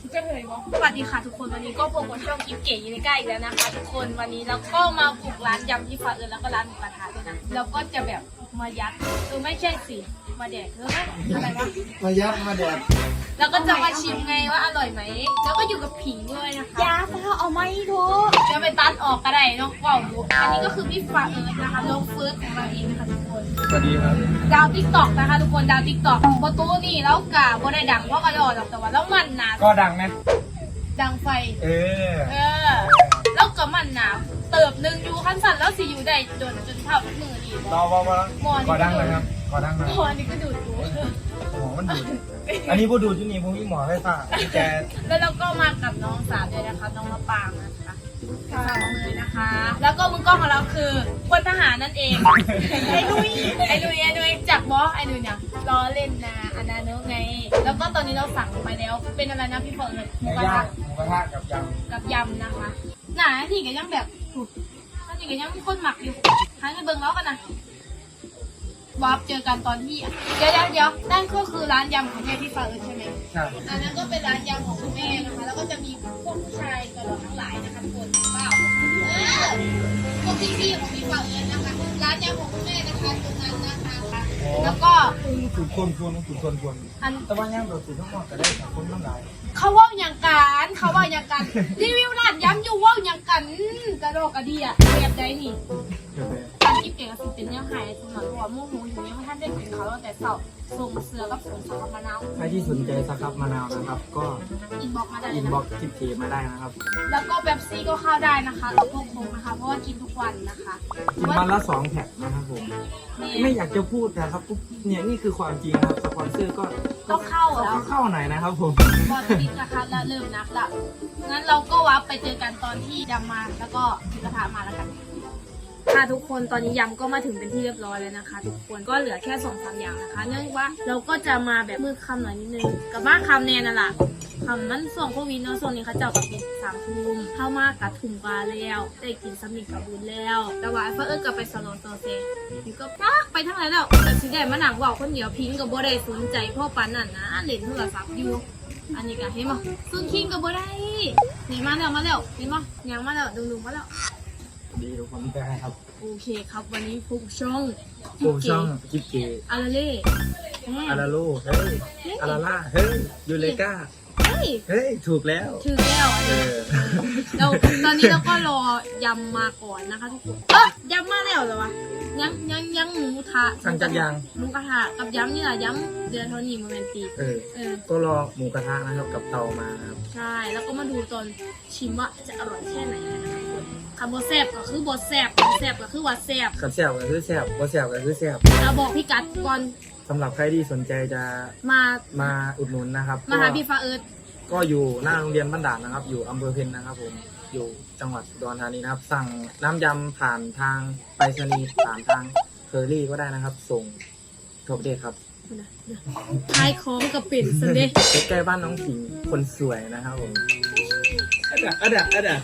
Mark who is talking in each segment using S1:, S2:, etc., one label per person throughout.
S1: ก็เลยบอกสวัสดีค่ะทุกคนวันนี้ก็พบกับช่องกิ๊บเก๋ยูนิก้าอีกแล้วนะคะทุกคนวันนี้เราก็มาบุกร้านยำที่ฟ้าแล้วก็ร้านหมูกระทะด้วยนะเราก็จะแบบมายัดไม่ใช่สิมาแดกอะไรวะ
S2: มายัดมาแดก
S1: แล้วก็จะมาชิมไงว่าอร่อยไหมแล้วก็อยู่กับผิงด้วยนะคะ
S3: ยาฟ้าเอาไม่ถูก
S1: จะไปตัดออกก็ได้เนาะว้าวอันนี้ก็คือพี่ฟ้านะคะลงเฟิร์สของเราเองนะคะทุกคน
S2: สวัสดีครับ
S1: ดาวติ๊กต็อกนะคะทุกคนดาวติ๊กต็อกประตูนี่แล้วกะบ่ได้ดังเพราะกระโดดแต่ว่าแล้วมันหนา
S2: ก็ดังไหม
S1: ดังไฟ
S2: เออ
S1: แล้วก็มันหนาเติบหนึ่งอยู่ขั้นสั่นแล้วสิอยู่ได้จนเท่ามือดี
S2: รอก็ดังเลยครับก็ดังเลย
S1: หมอนี่ก็ดูดกู
S2: หมอมันดูดอันนี้ผู้ดูดที่นี่พวกนี้หมอไฟฟ้าแก
S1: แล้วเราก็มากับน้องสาวด้วยนะคะน้องมะปางนะคะสาวเลยนะคะแล้วก็มือกล้องของเราคือพลทหารนั่นเองไอ้นุ้ยจากบอสไอ้นุ้ยเนี่ยล้อเล่นนะอันนั้นไงแล้วก็ตอนนี้เราสั่งไปแล้วเป็นอะไรนะพี่เฟิร์นหมูกระทะกับยำนะคะหนาที่ก็ยังแบบนี่ก็ยังมีคนหมักอยู่หาเงินเบิ่งแล้วกันนะวาร์ปเจอกันตอนที่เดี๋ยวนั่นก็คือร้านยำของแม่พี่ฟ้าใช่ไหม
S2: ใช่
S1: อันนั้นก็เป็นร้านยำของคุณแม่นะคะแล้วก็จะมีพวกผู้ชายตลอดทั้งหลายนะคะทุกคนเปล่าพวกพี่ของพี่ฟ้านะคะร้านยำของคุณแม่นะคะตรงนั้นนะคะแล้วก็
S2: ถูกคนอันแต่ว่าย่างเราถูกทั้งหมดก็ได้แต่คนทั้งหลาย
S1: เขาว่าอย่างกันรีวิวร้านยำอยู่ว่าอย่างกันกระโดดกระเดียแบบใดนี่การกิ๊บเก๋กับสิเป็นยังไงสำหรับหัวมุ่งหูอยู่ยังไม่ทันได้กินเขาแต่เสาส่งเสือกับส่งสครับมะนาว
S2: ใครที่สนใจสครับมะนาวนะครับก็
S1: อินบ็อกมาได้
S2: อินบ็อกกิ๊บเก๋มาได้นะครับ
S1: แล้วก็เป๊ปซี่ก็เข้าได้นะคะกับพวกคงนะคะเพราะว่ากินทุกวันนะคะ
S2: กินวันละ2 แพ็คนะครับผมไม่อยากจะพูดนะครับเนี่ยนี่คือความจริงครับสปอนเซอร์ก็
S1: เข้าแล้ว
S2: เข้าหน่อยนะครับผม
S1: บอลติดนะคะแล้วเริ่มนับละงั้นเราก็วับไปเจอกันตอนที่ยำมาแล้วก็กระทะมาแล้วกันค่ะทุกคนตอนนี้ยำก็มาถึงเป็นที่เรียบร้อยแล้วนะคะทุกคนก็เหลือแค่2-3อย่างนะคะเนื่องจากว่าเราก็จะมาแบบมืดค่ำหน่อยนิดนึงกับบ้านคำแนนน่ะล่ะคำมันส่งโควิดเนาะส่วนนี้เขาเจ้ากับปิด3 ทุ่มเข้ามากระทุ่มปลาแล้วได้กินสมิงกับบุญแล้วแต่ว่าเพื่อกับไปสโลโตเซนี่ก็ปักไปทั้งไหนแล้วแต่สิได้มาหนักว่าคนเดียวพิงกับโบได้สนใจพ่อปันนั่นนะเล่นโทรศัพท์อยู่อันนี้ก็เห็นมั้ยซุนคิงกับโบได้นี่มาแล้วเห็นมั้ยยังมาแล้วดุงมาแล้ว
S2: ดีทุกคนได้ครับ
S1: โอเคครับวันนี้ฟุกช่อง
S2: กิ๊บเก๋
S1: อาราเล่
S2: อาราโลเฮ้ยอาราล่าเฮ้ยยูเลกาเฮ้ยถูกแล้ว
S1: เราตอนนี้เราก็รอยำมาก่อนนะคะทุกคนยำมาแล้วเหรอวะยังหมูกระทะ
S2: สั่งจากยาง
S1: หมูกระทะกับยำนี่แหละยำเดือนเท่านี้โมเมนตี
S2: ก็รอหมูกระทะนะครับกับเตามาครับ
S1: ใช่แล้วก็มาดูตอนชิมว่าจะอร่อยแค่ไหนนะคะคำว่าแซ่บก็คือบดแซ่บแซ่บก็คือว่าแซ่บ
S2: กับแซ่บก็คือแซ่บบ่แซ่บก็คือแซ่บ
S1: เราบอกพี่กัดก่อน
S2: สำหรับใครที่สนใจจะมาอุดหนุนนะครับ
S1: มาหาพี่ฟ้า
S2: ก็อยู่หน้าโรงเรียนบ้านด่านนะครับอยู่อำเภอเพ็ญนะครับผมอยู่จังหวัดอุดรธานีนะครับสั่งน้ำยำผ่านทางไปรษณีย์ผ่านทางเคอรี่ก็ได้นะครับส่งทั่วประเทศครับ
S1: ขายของกับปิ่นสันเดย์
S2: ใกล้บ้านน้องผิงคนสวยนะครับผมอะดะ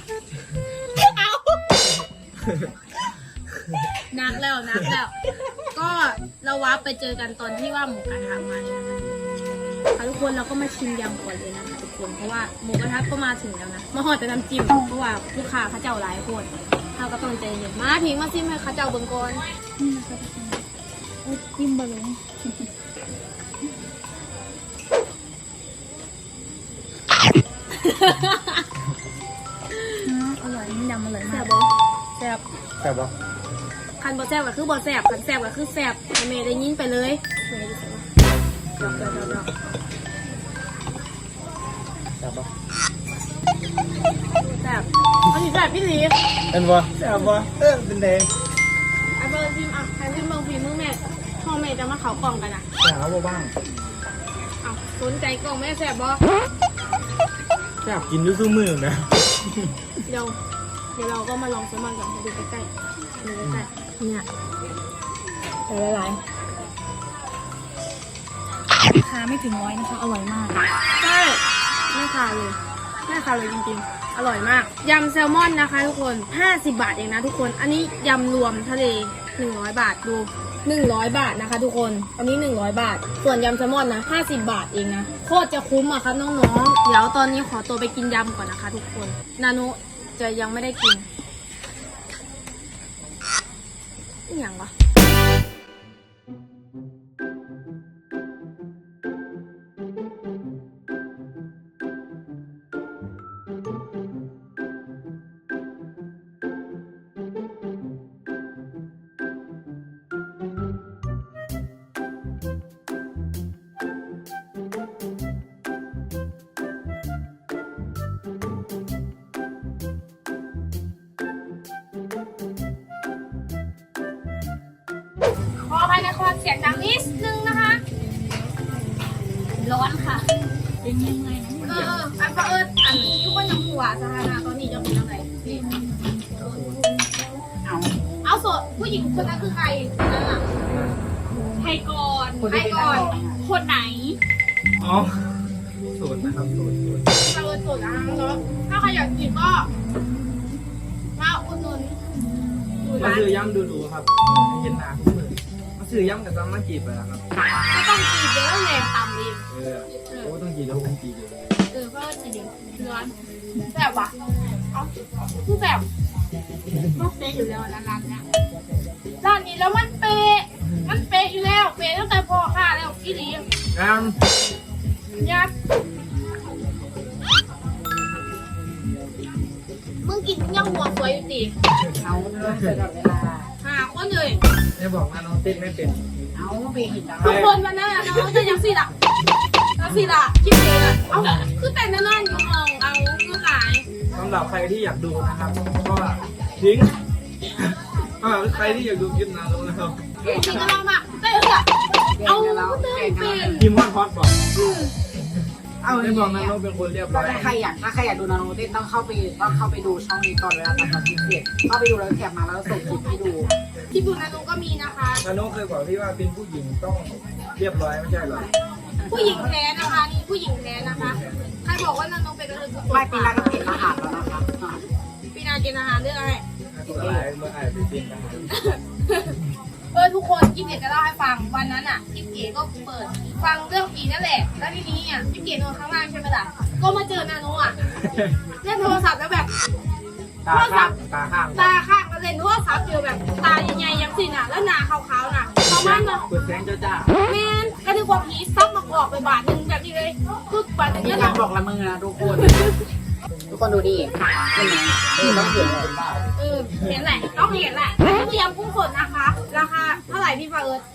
S1: นักแล้วก็เราว้าไปเจอกันตอนที่ว่าหมูกระทะมาเลยนะคะทุกคนเราก็มาชิมยำก่อนเลยนะคะทุกคนเพราะว่าหมูกระทะก็มาถึงแล้วนะมาห่อแต่น้ำจิ้มเพราะว่าลูกค้าเขาเจ้าหลายคนเราก็ต้องใจเย็นมาพิงมาซิมให้เขาเจ้าเบิ่งก่อน
S3: นี่นะคะทุกคนจิ้มบะหมี่อร่อยยำอร่อยมาก
S1: แซ่
S2: บ
S1: คันบ่แซ่บก็คือบ่แซ่บคันแซ่บก็คือแซ่บแม่ได้ยินไปเลยดอก
S2: แซ่บ
S1: อันนี้แซ่บพี่หลี
S2: เป็นบ่แซ่บบ่เป็นเดง
S1: ไอ้เบอร์พิมใครพิมเบอร์พิมมึงแม่พ่อแม่จะมาเขากล่องกันนะ
S2: แซ่บบ่บ้าง
S1: สนใจกล่องแม่แซ่บบ่
S2: แซ่บกินด้วยซื้อมือนะ
S1: เดี๋ยวเราก็มาลองแซลมอนกันดูใกล้ๆเนี่ยแต่หลาย
S3: ราคาไม่ถึง100นะคะอร่อยมาก
S1: ใช่ไม่ขาดเลยจริงๆอร่อยมากยำแซลมอนนะคะทุกคน50 บาทเองนะทุกคนอันนี้ยำรวมทะเล 100 บาทดู 100 บาทนะคะ ทุกคนอันนี้100 บาท ส่วนยำแซลมอนนะ50 บาทเองนะโคตรจะคุ้มอะครับน้องๆเดี๋ยวตอนนี้ขอตัวไปกินยำก่อนนะคะ ทุกคนนานุจะยังไม่ได้กินอหย่างวะขออภัยในความเสียงดังนิดนึงนะคะ ร้อนค่ะ
S3: เป็นยังไงนะ
S1: อันเอิญอันทุกคนยังหัวสถานะตอนนี้จะเป็นยังไงนี่เอาโสดผู้หญิงคนนั้นคือใครคนนั้นอะใครก่อนคนไหน
S2: อ๋อสูตรนะครับสูตร
S1: เราโสดอ่ะเนาะถ้าใครอยากกินก็มาอุดหนุนดู
S2: มา
S1: ร้าน
S2: ซื้อย่ำดูครับเห็นหน้าทุกมือมาซื้อย่ำกับซ้ำมาจีบไปแล้วครับ
S1: ไม่ต้องกินเยอะแรงตำเอง
S2: โอ้ต้องจีบแล้วผมจีบอยู่
S1: เพราะว่าจีเดียวร้อนแบบวะเอาคือแบบต้องเป๊ะอยู่แล้วร้านเนี้ยร้านนี้แล้วมันเป๊ะอยู่แล้วเป๊ะตั้งแต่พอค่ะแล้วอีหลี
S2: น้ำ
S1: ยัดมึงกินยังหัวสวยอยู่สิ
S4: เอาเรื่องเสร็จเวลา
S1: หาคนเลย
S2: ไม่บอกว่าน้องเต้นไม่เป็น
S4: เอาไปเห็นแล้ว
S1: ทุกคนวันนั้นน้องจะยังสิล่ะคิดเองเอ้าคือแต่งนั่นอยู่ห้องเอาคือหลาย
S2: สำหรับใครที่อยากดูนะครับก็ทิ้งใครที่อยากดูคลิปนาโนนะครับ
S1: จริงๆก็ลองมาเต้นอะเอาเต้นเป็น
S2: ทีมวันพอดบอกไม่บอกนาโนเป็นคนเรียบร้อย
S4: ถ้าใครอยากดูนาโนเต้นต้องเข้าไปดูช่องนี้ก่อนเวลาทำคอนเทนต์เข้าไปดูแล้วแคปมาแล้วส่งคลิปให้ดู
S1: ที่ดูนานุก็มีนะคะ
S2: นาโนเคยบอกพี่ว่าเป็นผู้หญิงต้องเรียบร้อยไม่ใช่เหรอ
S1: ผู้หญิงแท้นะคะนี่ผู้หญิงแท้นะคะใครบอกว่านานุเป็นกระเทยคือ
S4: ไม่ปีหน้าก็เป็นอาหารแล้วนะคะ
S1: ปีนากินอาหารเรื่องอะไร
S2: ตัวร้ายเมื่อไอ้ไปเป็นกัน
S1: ทุกคนกิ๊บเก๋จะเล่าให้ฟังวันนั้นอ่ะกิ๊บเก๋ก็เปิดฟังเรื่องผีนั่นแหละแล้วทีนี้อ่ะกิ๊บเก๋นอนข้างล่างใช่ไหมล่ะก็มาเจอนานุอ่ะเล่นโทรศัพท์แล้วแบบ
S2: ตาข้าง
S1: ตาข้างก็เล่นโทรศัพท์อยู่แบบตาใหญ่ๆยังสิน่ะแล้วหน้าขาวๆน่ะประมาณน่ะ
S2: เปิดแสงจ้า
S1: แมนก็นึกว่าผีซับมากรอกไปบาทหนึ่งแบบนี้เลยคือบาทหนึ่ง
S4: นี่
S1: นั่น
S4: การ
S1: เรา
S4: บอกละมือนะทุกคนดูดิเห็นไหมต้องเห็นเลย
S1: เห็นแหละต้องเห็นแหละเตรียมกุ้งสดนะคะ ราคาเท่าไหร่พี่ฟ้าเอิร์ธ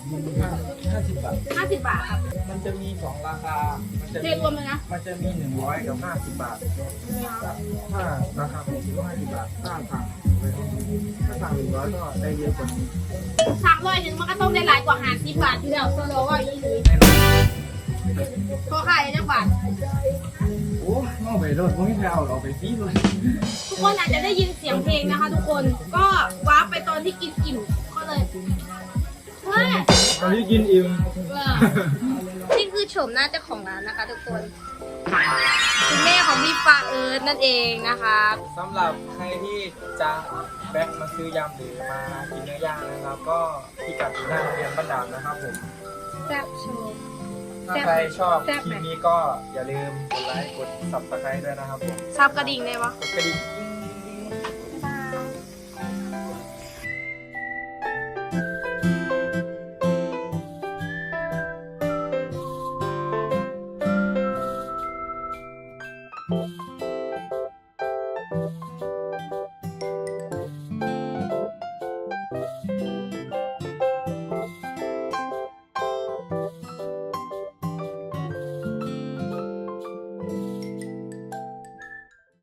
S2: 50 บาท
S1: 50 บาทครับ
S2: มันจะมี2ราคา มันจะ
S1: เทรวมเลยนะ
S2: มันจะมี100กับ50 บาท ถ้าราคาของ50 บาทถ้าสั่ง100ก็ได้เยอะกว่านี้
S1: 300 นึงมันก็ต้องได้หลายกว่า50 บาทอยู่แล้วโซโลว่าอีหลี
S2: แน่นอน
S1: พอขายจังบาท
S2: โอ้นอกไปรถไม่เอาเราไปฟรีเลย
S1: ทุกคนอาจจะได้ยินเสียงเพลงนะคะ ทุกคนก็ว้าร์ปไปตอนที่กินอิ่มก็เลยเฮ้ย
S2: ตอนนี้กินอิ่ม
S1: นี่คือโฉมหน้าเจ้าของร้านนะคะ ทุกคนคุณแม่ของพี่ฟ้าเอิร์ธนั่นเองนะคะ
S2: สำหรับใครที่จะแบ็คมาซื้อยำหรือมากินเนื้อย่างนะครับ ก็พิกัดอยู่หน้าโรงเรียนบ้านด่านนะครับผม
S1: แซ่บโชว์
S2: ถ้าใครชอบ
S1: แซ่บ
S2: ค
S1: ไหม
S2: ลิปนี้ก็อย่าลืมกดไลค์กด subscribe ด้วยนะครับผม
S1: ซับกระดิ่งได้ปะ
S2: กดกระดิ่ง